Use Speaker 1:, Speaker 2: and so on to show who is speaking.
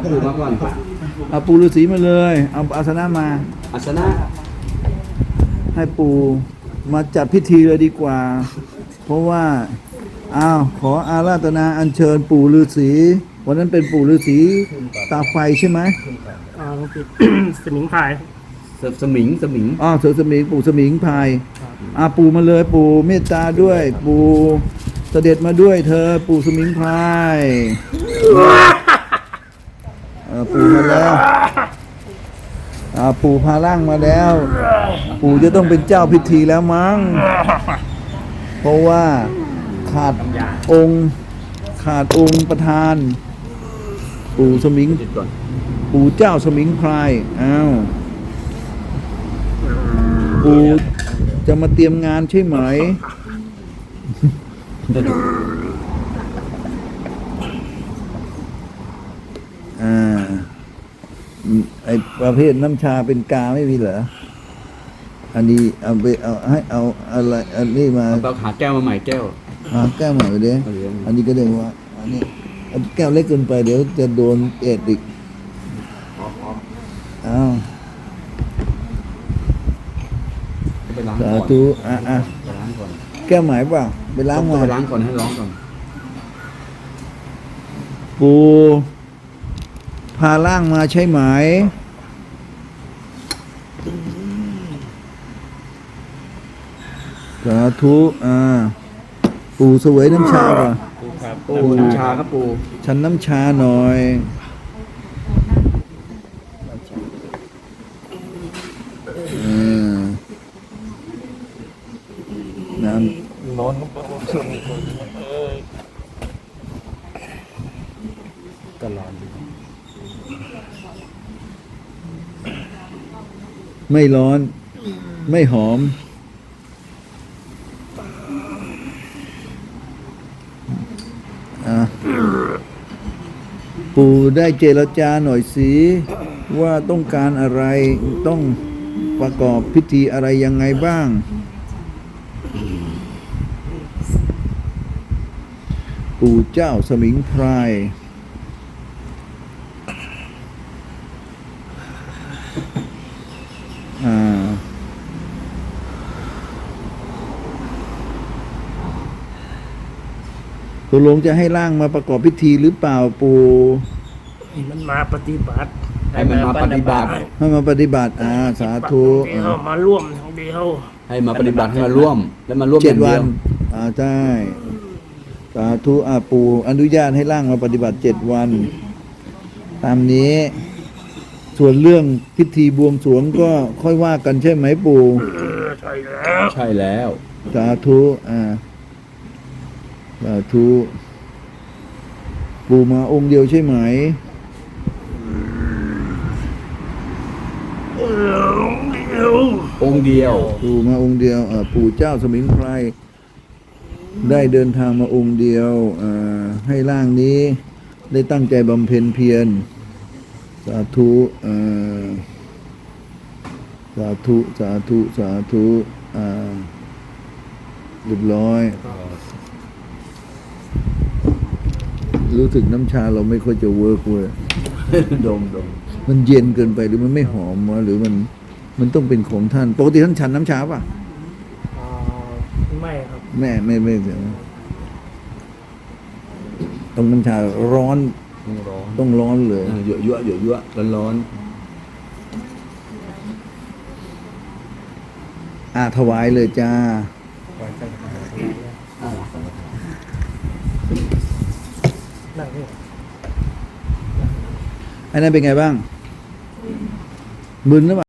Speaker 1: ปู่มาก่อน
Speaker 2: เอาปู่ฤาษีมาเลยเอาอาสนะมา
Speaker 1: อาสนะ
Speaker 2: ให้ปู่มาจัดพิธีเลยดีกว่า เพราะว่าขออาราธนาอัญเชิญปู่ฤาษีวันนั้นเป็นปู่ฤาษีตาไฟใช่ไหม
Speaker 3: ต้องปิด สมิงพราย
Speaker 1: สมิง
Speaker 2: เสือสมิงปู่สมิงพายปู่มาเลยปู่เมตตาด้วย ปู่เสด็จมาด้วยเธอปู่สมิงพรายปู่มาแล้วปู่พาร่างมาแล้ว ปู่จะต้องเป็นเจ้าพิธีแล้วมั้งเพราะว่าขาดองค์ประธาน ปู่สมิงปู่เจ้าสมิงพรายปู่จะมาเตรียมงานใช่ไหมไอประเภทน้ำชาเป็นกาไม่มีเหรออันนี้เอาไปเอาอะไรอันนี้มา
Speaker 1: เอาหาแก้วมาใหม่แก้ว
Speaker 2: แก้วใหม่ไปเด้อันนี้ก็เรียกว่าอันนี้แก้วเล็กเกินไปเดี๋ยวจะโดนเอดอีกสาธุ
Speaker 1: ไปล้างก่อน
Speaker 2: แก้วใหม่เปล่าไปล้างมา
Speaker 1: ไปล้างก่อนให้ร้องก่อน
Speaker 2: ปูพาล่างมาใช่ไหมสาธุปู่เสวยน้ำชาป่ะ
Speaker 1: ปู่น้ำชาครับปู่
Speaker 2: ฉันน้ำชาหน่อยน้ำร้อนก็ร้อนไม่ร้อนไม่หอมปู่ได้เจรจาหน่อยสิว่าต้องการอะไรต้องประกอบพิธีอะไรยังไงบ้างปู่เจ้าสมิงพรายตกลงจะให้ร่างมาประกอบพิธีหรือเปล่าปู่
Speaker 3: มันมาปฏิบัติ
Speaker 1: ให้มันมาปฏิบัติ
Speaker 2: สาธุ
Speaker 3: มาร่วมทั้งเดียว
Speaker 1: ให้มาปฏิบัติให้มาร่วมแล้วมาร่วม
Speaker 2: 7 วันใช่สาธุปู่อนุญาตให้ร่างมาปฏิบัติ7 วันตามนี้ส่วนเรื่องพิธีบวงสรวงก็ค่อยว่ากันใช่ไหมปู่
Speaker 1: ใช่แล้ว
Speaker 2: สาธุสาธุปู่มาองค์เดียวใช่ไหม
Speaker 1: องค์เดียว
Speaker 2: ปู่มาองค์เดียวปู่เจ้าสมิงพรายได้เดินทางมาองค์เดียวให้ร่างนี้ได้ตั้งใจบำเพ็ญเพียรสาธุสาธุเรียบร้อยรู้สึกน้ำชาเราไม่ค่อยจะเวิร์กเว้ย
Speaker 1: ดม
Speaker 2: มันเย็นเกินไปหรือมันไม่หอมวะหรือมันต้องเป็นของท่านปกติท่านฉันน้ำชาป่ะ
Speaker 3: ไม่ครับ
Speaker 2: ไม่เสียต้องน้ำชาร้อนต้องร้อนเลย
Speaker 1: เยอะร้อน
Speaker 2: ถวายเลยจ้าอันนั้นเป็นไงบ้างมึนหรือเปล่า